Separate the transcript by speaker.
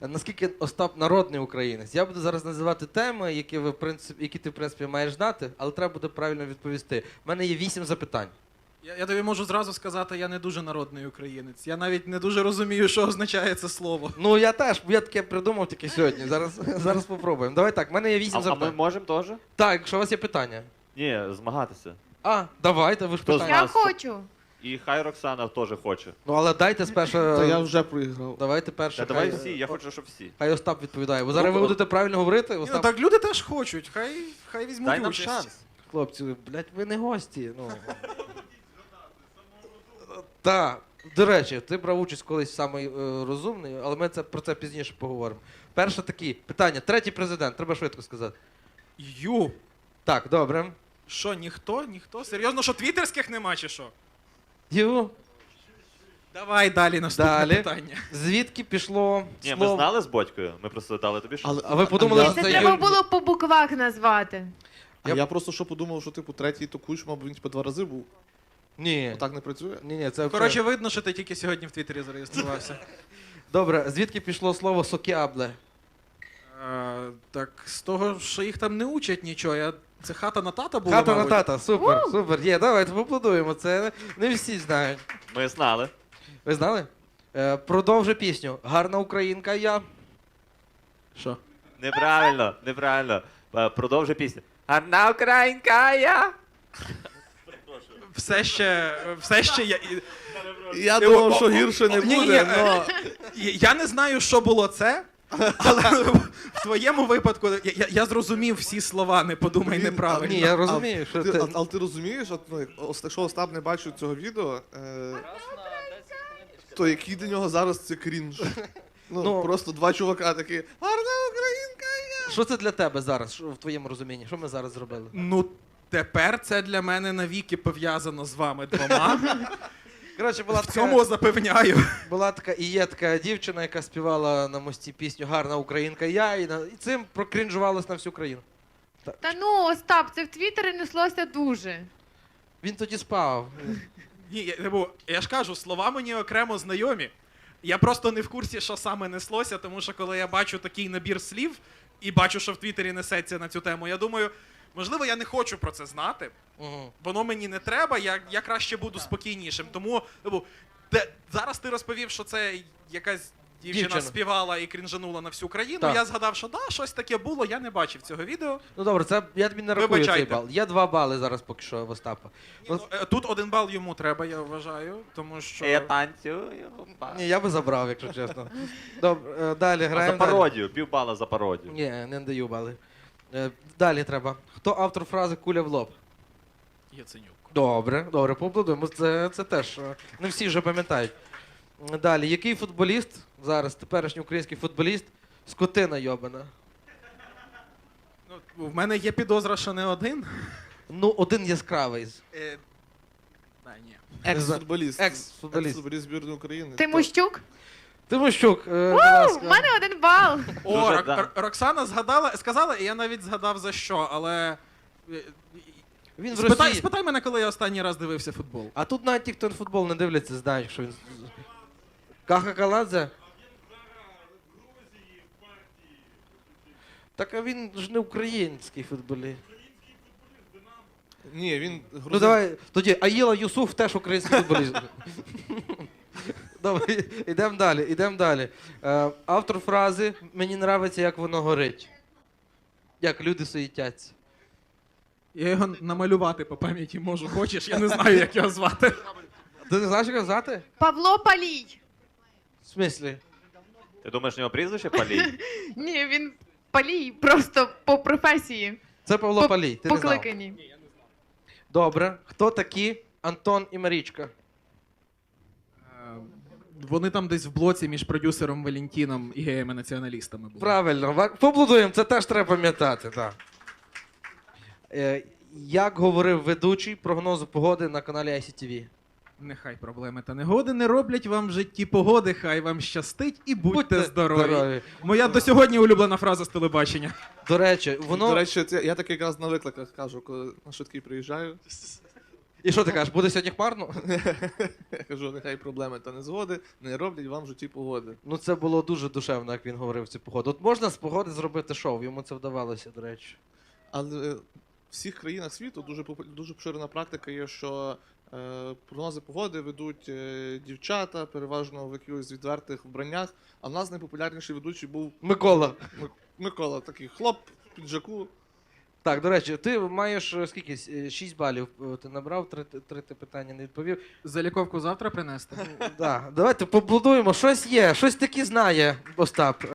Speaker 1: Наскільки Остап народний українець? Я буду зараз називати теми, які ти, в принципі, маєш знати, але треба буде правильно відповісти. У мене є 8 запитань.
Speaker 2: Я тобі можу зразу сказати, я не дуже народний українець. Я навіть не дуже розумію, що означає це слово.
Speaker 1: Ну, я теж, я таке придумав тільки сьогодні. Зараз попробуємо. Давай так, в мене є 8
Speaker 3: А ми
Speaker 1: запитань.
Speaker 3: можемо теж?
Speaker 1: Так, якщо у вас є питання.
Speaker 3: Ні, змагатися.
Speaker 1: Давайте, ви ж
Speaker 3: Хто
Speaker 1: питання.
Speaker 3: знає?
Speaker 4: Я хочу.
Speaker 3: І хай Роксана теж хоче.
Speaker 1: Ну, але дайте спершу...
Speaker 5: Та я вже проіграв.
Speaker 1: Давайте перше.
Speaker 3: Та давай всі, я хочу, щоб всі.
Speaker 1: Хай Остап відповідає. Бо зараз ви будете правильно говорити.
Speaker 2: Ні, ну,
Speaker 1: Остап...
Speaker 2: так люди теж хочуть, хай візьмуть
Speaker 3: Дай нам
Speaker 2: участь.
Speaker 3: шанс.
Speaker 1: Хлопці, блядь, ви не гості. Ну. Так, до речі, ти брав участь колись самий розумний, але ми про це пізніше поговоримо. Перше такі питання. Третій президент, треба швидко сказати. Так, добре.
Speaker 2: Що, ніхто? Ніхто? Серйозно, що твіттерських нема чи що? Давай далі наступне
Speaker 1: Далі.
Speaker 2: питання.
Speaker 1: Звідки пішло
Speaker 3: Ні, ми
Speaker 1: слово...
Speaker 3: знали з Бодькою, ми просто дали тобі шанс.
Speaker 1: А ви подумали, що
Speaker 4: Це
Speaker 1: це
Speaker 4: треба
Speaker 1: Юль...
Speaker 4: було по буквах назвати.
Speaker 5: Я просто що подумав, що типу третій то Кучма, бо він типу 2 рази був.
Speaker 1: Ні.
Speaker 5: Так не працює?
Speaker 1: Ні, це...
Speaker 2: Коротше, видно, що ти тільки сьогодні в Твіттері зареєструвався.
Speaker 1: Добре, звідки пішло слово сокіабле?
Speaker 2: Так, з того, що їх там не учать нічого. Це хата на тата була,
Speaker 1: Хата на
Speaker 2: мабуть?
Speaker 1: тата, супер, супер. Є, давайте поаплодуємо, це не всі знають.
Speaker 3: Ми знали.
Speaker 1: Ви знали? Продовжи пісню. Гарна українка я.
Speaker 2: Що?
Speaker 3: Неправильно, неправильно. Продовжуй пісню. Гарна українка я.
Speaker 2: Все ще я...
Speaker 5: Я думав, що гірше не
Speaker 2: Ні,
Speaker 5: буде,
Speaker 2: ні,
Speaker 5: але...
Speaker 2: Я не знаю, що було це, але в твоєму випадку я зрозумів всі слова, не подумай неправильно.
Speaker 1: Ні, я розумію, що ти...
Speaker 5: Але ти розумієш, от, ну, якщо Остап не бачив цього відео, то який для нього зараз це крінж?
Speaker 1: Ну,
Speaker 5: Просто 2 чувака такі, гарна українка я!
Speaker 1: Що це для тебе зараз, в твоєму розумінні? Що ми зараз зробили?
Speaker 2: Ну, тепер це для мене навіки пов'язано з вами двома.
Speaker 1: Коротше, була
Speaker 2: В цьому запевняю.
Speaker 1: така і є така дівчина, яка співала на мості пісню Гарна українка я, і цим прокрінжувалась на всю країну.
Speaker 4: Та ну, Остап, це в Твіттері неслося дуже.
Speaker 1: Він тоді спав.
Speaker 2: Ні, я ж кажу, слова мені окремо знайомі. Я просто не в курсі, що саме неслося, тому що коли я бачу такий набір слів і бачу, що в Твіттері несеться на цю тему, я думаю, можливо, я не хочу про це знати.
Speaker 1: Угу.
Speaker 2: Воно мені не треба, я краще буду спокійнішим. Тому зараз ти розповів, що це якась дівчина співала і крінжанула на всю країну.
Speaker 1: Так.
Speaker 2: Я згадав, що да, щось таке було, я не бачив цього відео.
Speaker 1: Ну добре, це я тобі не рахую цей
Speaker 2: Вибачайте.
Speaker 1: бал. Є 2 бали зараз поки що в Остапа.
Speaker 2: Тут 1 бал йому треба, я вважаю, тому що...
Speaker 3: Я танцюю.
Speaker 1: Ні, я би забрав, якщо чесно. Добре, далі
Speaker 3: А
Speaker 1: граємо.
Speaker 3: за пародію, півбала за пародію.
Speaker 1: Ні, не даю бали. Далі треба. Хто автор фрази «Куля в лоб»?
Speaker 2: Яценюк.
Speaker 1: Добре, поаплодуємо. Це теж не всі вже пам'ятають. Далі, який футболіст, зараз теперішній український футболіст, скотина йобана?
Speaker 2: Ну, в мене є підозра, що не один.
Speaker 1: Ну, один яскравий.
Speaker 2: Ні.
Speaker 5: Екс-футболіст.
Speaker 1: Екс-футболіст.
Speaker 5: Екс-футболіст збірної України.
Speaker 4: Тимощук?
Speaker 1: Тимощук, будь
Speaker 4: У
Speaker 1: ласка.
Speaker 4: мене 1 бал.
Speaker 2: О,
Speaker 3: Дуже, да.
Speaker 2: Роксана сказала, і я навіть згадав за що, але...
Speaker 1: Він в Росії.
Speaker 2: Спитай мене, коли я останній раз дивився футбол.
Speaker 1: А тут навіть ті, хто футбол не дивляться, знають, що він... Каха Каладзе? Так, а він ж не український футболіст.
Speaker 5: Ні, він
Speaker 1: Ну давай, тоді Аїла Юсуф теж український футболіст. Добре, ідемо далі. Автор фрази «Мені нравиться, як воно горить». Як люди суєтяться.
Speaker 2: Я його намалювати по пам'яті можу. Хочеш? Я не знаю, як його звати.
Speaker 1: Ти не знаєш, як його звати?
Speaker 4: Павло Палій.
Speaker 1: В смислі?
Speaker 3: Ти думаєш, у нього прізвище Палій?
Speaker 4: Ні, він Палій просто по професії.
Speaker 1: Це Павло Палій, ти не знав.
Speaker 4: Покликані.
Speaker 1: Добре. Хто такі Антон і Марічка?
Speaker 2: Вони там десь в блоці між продюсером Валентіном і геями-націоналістами були.
Speaker 1: Правильно, поаплодуємо, це теж треба пам'ятати. Так. Як говорив ведучий прогнозу погоди на каналі ICTV?
Speaker 2: Нехай проблеми та негоди не роблять вам в житті погоди, хай вам щастить і будьте здорові. Моя до сьогодні улюблена фраза з телебачення.
Speaker 1: До речі,
Speaker 5: До
Speaker 1: воно...
Speaker 5: речі, я так якраз на викликах кажу, коли на швидкий приїжджаю.
Speaker 1: І що ти кажеш, буде сьогодні хмарно?
Speaker 5: Я кажу, нехай проблеми та незгоди не роблять вам в житті погоди.
Speaker 1: Ну це було дуже душевно, як він говорив цю погоду. От можна з погоди зробити шоу, йому це вдавалося, до речі.
Speaker 5: Але в всіх країнах світу дуже поширена практика є, що прогнози погоди ведуть дівчата, переважно в якихось відвертих вбраннях. А в нас найпопулярніший ведучий був
Speaker 1: Микола.
Speaker 5: Микола, такий хлоп в піджаку.
Speaker 1: Так, до речі, ти маєш скільки? 6 балів ти набрав, 3 ти питання не відповів.
Speaker 2: Заліковку завтра принести?
Speaker 1: Да, давайте поблудуємо, щось є, щось таки знає Остап.